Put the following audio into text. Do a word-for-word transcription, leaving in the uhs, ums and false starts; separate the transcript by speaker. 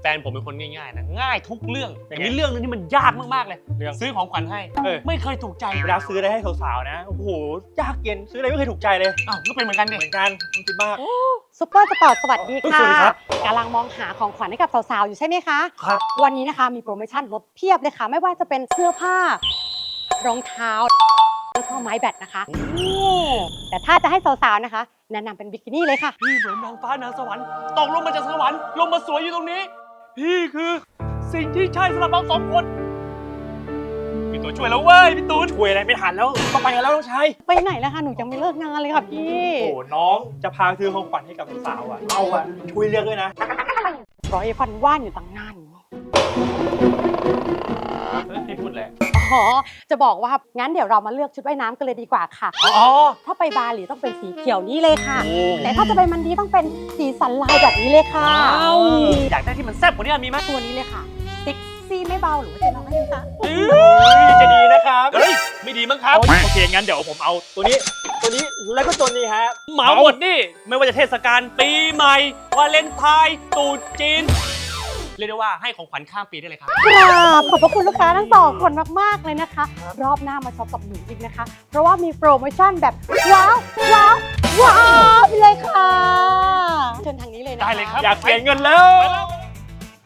Speaker 1: ฟนผมเป็นคนง่ายๆนะง่ายทุกเรื่องแต่มีเรื่องนึงที่มันยากมากๆเลยเรื่องซื้อของขวัญให้ไม่เคยถูกใจ
Speaker 2: เวลาซื้ออะไรให้สาวๆนะโอ้โหยากเย็นซื้ออะไรไม่เคยถูกใจเลย
Speaker 1: อ้าวก็เป็นเหมือนกันดิ
Speaker 2: เหมือนกันคิดมาก
Speaker 3: ซุปเปอร์สปอร์ตสวัสดีค่ะ
Speaker 2: สวัสดีครับ
Speaker 3: กำลังมองหาของขวัญให้กับสาวๆอยู่ใช่ไหมคะ
Speaker 2: ครับ
Speaker 3: วันนี้นะคะมีโปรโมชั่นลดเพียบเลยค่ะไม่ว่าจะเป็นเสื้อผ้ารองเท้าแล้วก็ไม้แบตนะคะแต่ถ้าจะให้สาวๆนะคะแนะนำเป็นบิกินี่เลยค่ะ
Speaker 1: พี่เหมือนนางฟ้านางสวรรค์ตกลงมาจากสวรรค์ลงมาสวยอยู่ตรงนี้พี่คือสิ่งที่ใช่สำหรับเราสองคนพี่ตูนช่วยแล้วเว้ยพี่ตูน
Speaker 2: ช่วยอะไรไม่ทันแล้วต้องไปกันแล้วน้องชาย
Speaker 3: ไปไหนแล้วคะหนูยังไม่เลิกงานเลยค่ะพี่
Speaker 2: โอ้โหน้องจะพาซื้อของขวัญให้กับสาวๆอ่ะเราอ่ะช่วยเลือกด้วยนะ
Speaker 3: ร้อยฟันว่านอยู่ตั้งนาน
Speaker 1: พี่พูดแหละ
Speaker 3: อ๋อจะบอกว่างั้นเดี๋ยวเรามาเลือกชุดว่ายน้ำกันเลยดีกว่าค่ะ
Speaker 1: อ๋อ
Speaker 3: ถ้าไปบาหลีต้องเป็นสีเขียวนี้เลยค่ะ
Speaker 1: โอ้
Speaker 3: แต่ถ้าจะไปมันดีต้องเป็นสีสันลายแบบนี้เลยค่ะ
Speaker 1: อ้าวอยากได้ที่มันแซ่บกว่านี้มีไหม
Speaker 3: ตัวนี้เลยค่ะเซ็กซี่ไม่เบาหรือว่าจะลองให้ดูคะ
Speaker 2: จะดีนะครับ
Speaker 1: เฮ้ยไม่ดีมั้งครับ
Speaker 2: โอเคงั้นเดี๋ยวผมเอาตัวนี้ตัวนี้แล้วก็ตัวนี้ฮะ
Speaker 1: เหมาหมดนี่ไม่ว่าจะเทศกาลปีใหม่วาเลนไทน์ตรุษจีนเรียกได้ว่าให้ของขวัญข้ามปีได้เลยครับ
Speaker 3: กราบขอบพระคุณลูกค้าทั้งสองคนมากๆเลยนะคะ รอบหน้ามาช็อปกับหนูอีกนะคะ เพราะว่ามีโปรโมชั่นแบบว้าวว้าวว้าวไปเลยค่ะเชิญทางนี้เลยนะคะ
Speaker 1: ได้เลยครับ
Speaker 2: อยากเสียเงินแล้ว
Speaker 1: ไปแล้ว